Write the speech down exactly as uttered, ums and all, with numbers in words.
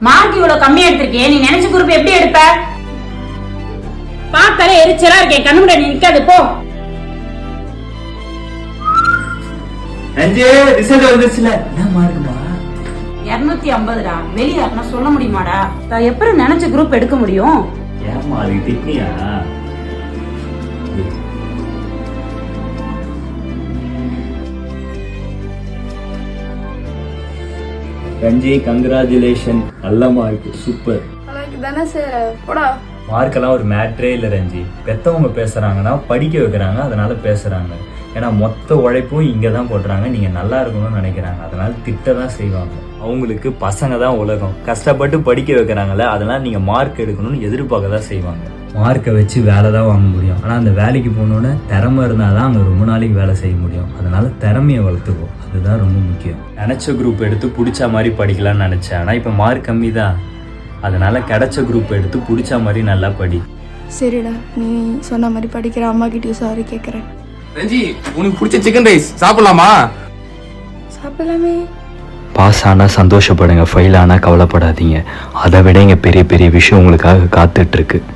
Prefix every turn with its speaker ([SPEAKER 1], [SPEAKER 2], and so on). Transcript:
[SPEAKER 1] Mark இவ்வளவு கம்மியா எடுத்திருக்கே, நீ நினைச்ச குரூப் எப்படி எடுப்ப? பார்த்தாலே எரிச்சலா இருக்கேன், கண்ணு முன்னாடி நிக்காது போ.
[SPEAKER 2] அஞ்சே ரிசல்ட் வந்துருச்சுல, என்ன மார்க்குமா?
[SPEAKER 1] இருநூத்தி ஐம்பதுடா. வெளியே நான் சொல்ல முடியுமாடா? நான் எப்படி நினைச்ச குரூப் எடுக்க முடியும்?
[SPEAKER 2] ஏமா அதுக்கு திட்டியா? ரஞ்சி கங்க்ராச்சுலேஷன், நல்ல மார்க், சூப்பர்.
[SPEAKER 3] தானே சார் போடா.
[SPEAKER 2] மார்க்கெல்லாம் ஒரு மேட்ரே இல்லை ரஞ்சி. பெத்தவங்க பேசுறாங்கன்னா படிக்க வைக்கிறாங்க, அதனால பேசுறாங்க. ஏன்னா மொத்த உழைப்பும் இங்கே தான் போடுறாங்க, நீங்கள் நல்லா இருக்கணும்னு நினைக்கிறாங்க, அதனால திட்ட தான் செய்வாங்க. அவங்களுக்கு பசங்க தான் உலகம், கஷ்டப்பட்டு படிக்க வைக்கிறாங்களே, அதனால் நீங்கள் மார்க் எடுக்கணும்னு எதிர்பார்க்க தான் செய்வாங்க. மார்க்கை வச்சு வேலை தான் வாங்க முடியும், ஆனால் அந்த வேலைக்கு போனோன்னே திறமை இருந்தால் தான் அங்கே ரொம்ப நாளைக்கு வேலை செய்ய முடியும். அதனால திறமையை வளர்த்துக்கோ, அதுதான் ரொம்ப முக்கியம். நினச்ச குரூப் எடுத்து பிடிச்ச மாதிரி படிக்கலாம்னு நினச்சேன், ஆனால் இப்போ மார்க் கம்மி தான், அதனால கிடைச்ச குரூப் எடுத்து பிடிச்ச மாதிரி நல்லா படி.
[SPEAKER 3] சரிடா, நீ சொன்ன மாதிரி படிக்கிற. அம்மா கிட்டயும் சாரி கேட்குறேன்.
[SPEAKER 4] ரஞ்சி, உனக்கு பிடிச்ச சிக்கன் ரைஸ் சாப்பிடலாமா?
[SPEAKER 3] சாப்பிடலாமே.
[SPEAKER 5] பாஸ் ஆனால் சந்தோஷப்படுங்க, ஃபெயில் ஆனால் கவலைப்படாதீங்க. அதை விட இங்கே பெரிய பெரிய விஷயம் உங்களுக்காக காத்துட்ருக்கு.